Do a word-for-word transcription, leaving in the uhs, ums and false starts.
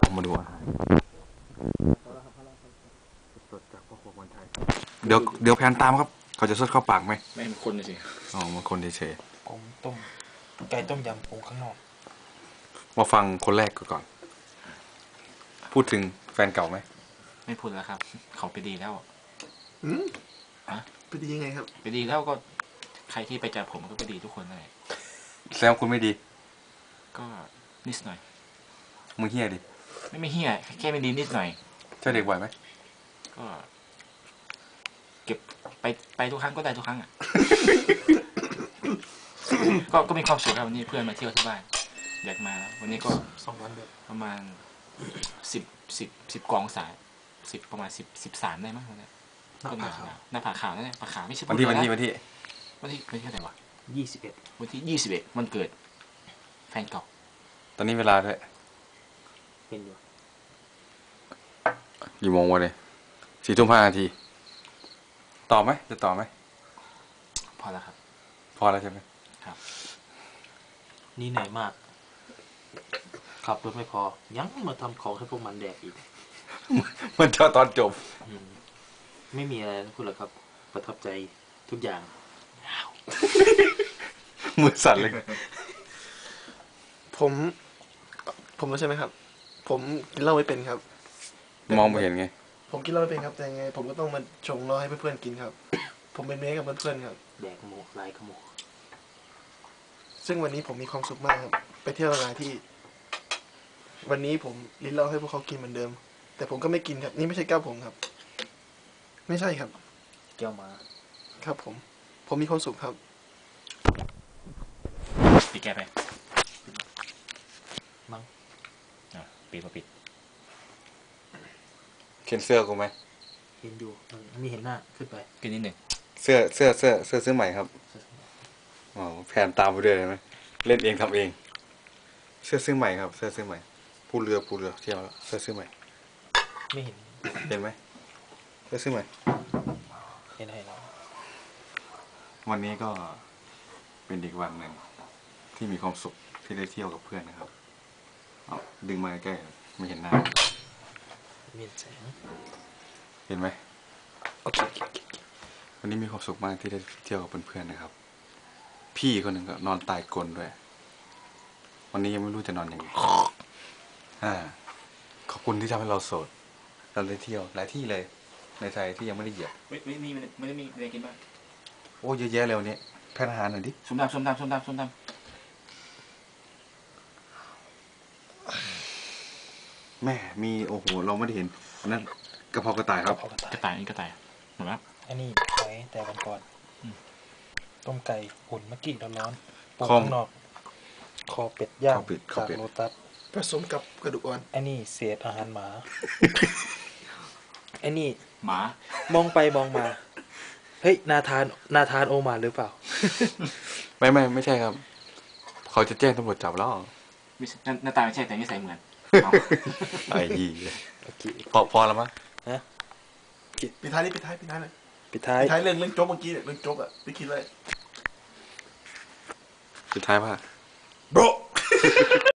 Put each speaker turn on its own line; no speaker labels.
มาดูอาหารสดจากพ่อครัวคนไทยเดี๋ยวเดี๋ยวแพนตามครับเขาจะสดเข้าปากไหม
ไม่เป็นคนเลยสิ
อ๋อมันคนเฉย
ผมต้มไก่ต้มยำปรุงข้างนอก
มาฟังคนแรกก่อนพูดถึงแฟนเก่าไหม
ไม่พูดแล้วครับเขาไปดีแล้ว
อืมอะไปดียังไงครับ
ไปดีแล้วก็ใครที่ไปจับผมก็ไปดีทุกคนเลย
แซมคุณไม่ดี
ก็นิดหน่อย
มึงเฮี้ยดิ
ไม่ไม่เฮี้ยแค่ไม่ดีนิดหน่อย
เจ้าเด็กบ่อยไหม
ก็เก็บไปไปทุกครั้งก็ได้ทุกครั้งอ่ะ ก็ก็มีความสุขครับวันนี้เพื่อนมาเที่ยวที่บ้านอยากมาแล้ววันนี้ก็
สองวันเดียว
ประมาณสิบสิบสิบกองสายสิบประมาณสิบสิบสามได้มั้งเนี่ยก็หน้าขาวหน้าผาขาวนั่นแหละผาขาวไม่ใช่
วันที่วันที่วันที่
วันที่วันที่เท่าไหร่วะ
ยี่สิบเอ็ด
วันที่ยี่สิบเอ็ดวันเกิดแฟนเก่า
ตอนนี้เวลาด้วย
เป็นอยู่
กี่โมงวะเนี่ยสี่ทุ่มห้านาทีตอบไหมจะตอบไหม
พอแล้วครับ
พอแล้วใช่ไหม
ครับ
นี่เหนื่อยมากขับรถไม่พอยังมาทำของให้พวกมันแดกอีก
มันจะตอนจบ
ไม่มีอะไรนะคุณหรอกครับประทับใจทุกอย่าง
มือสั่นเลย
ผมผมรู้ใช่ไหมครับผมกินเหล้าไม่เป็นครับ
มองไม่เห็นไง
ผมกินเหล้าไม่เป็นครับแต่ไงผมก็ต้องมาชงเหล้าให้เพื่อนๆกินครับผมเป็นเมย์กับเพื่อนๆครับ
แดกโมกลายขโมก
ซึ่งวันนี้ผมมีความสุขมากครับไปเที่ยวหลายที่วันนี้ผมลิ้นเหล้าให้พวกเขากินเหมือนเดิมแต่ผมก็ไม่กินครับนี่ไม่ใช่แก้วผมครับไม่ใช่ครับ
แก้วมา
ครับผมผมมีความสุขครับ
ปิดแก้ไป
มั้ง
อ่ะปิดมาปิด
เห็นเสื้อกูไหม
เห็นอยู่มีเห็นหน้าขึ้นไป
กินนิดหนึ่ง
เสื้อเสื้อเสื้อเสื้อซื้อใหม่ครับอ๋อแผนตามไปด้วยเลยไหมเล่นเองทำเองเสื้อซื้อใหม่ครับเสื้อซื้อใหม่ผู้เรือผู้เรือเที่ยวแล้วเสื้อซื้อใหม่
ไม่เห็น
เห็นไหมเสื้อซื้อใหม่
เห็นให้เรา
วันนี้ก็เป็นอีกวันหนึ่งที่มีความสุขที่ได้เที่ยวกับเพื่อนนะครับเอาดึงมาใกล้ไม่เห็นหน้า
มีแสง
เห็นไหมโอเควันนี้มีความสุขมากที่ได้เที่ยวกับเพื่อนๆนะครับพี่คนหนึ่งก็นอนตายกลนด้วยวันนี้ยังไม่รู้จะนอนยังไงอ่าขอบคุณที่ทำให้เราโสดเราได้เที่ยวหลายที่เลยในไทยที่ยังไม่ได้เหยียบ
ไม่ไม่มีไม่ได้มีอะไรกินบ้าง
โอ้เยอะแยะเลยวันนี้แพทย์อาหารหน่อยดิ
ส้มตำส้มตำส้มตำส้มตำ
แม่มีโอ้โหเราไม่ได้เห็นนั่นกระเพรากระต่ายครับ
กระต่ายนี่กระต่ายเหมือนไหม
อันนี้ไว้แต่วันก่อนต้มไก่หุ่นเมื่อกี้ร้อนๆปูข้างนอกคอเป็ดย่างจากโลตัส
ผสมกับกระดูกอ่อน
อันนี้เศษอาหารหมาอันนี้
หมาม
องไปมองมาเฮ้ยนาธานนาธานโอมาหรือเปล่า
ไม่ไม่ไม่ใช่ครับเขาจะแจ้งตำรวจจับแล้ว
ไม่ใช่หน้าตาไม่ใช่แต่นิสัยเหมือน
ไอ้ยี่พอพอแล้วมั้ง
ฮะ
ปิดท้ายนี่ปิดท้ายปิดท้ายเลย
ปิดท้าย
ปิดท้ายเรื่องเรื่องโจ๊กเมื่อกี้เนี่ยเรื่องโจ๊กอะไม่คิดเลย
ปิดท้ายว่า
โบร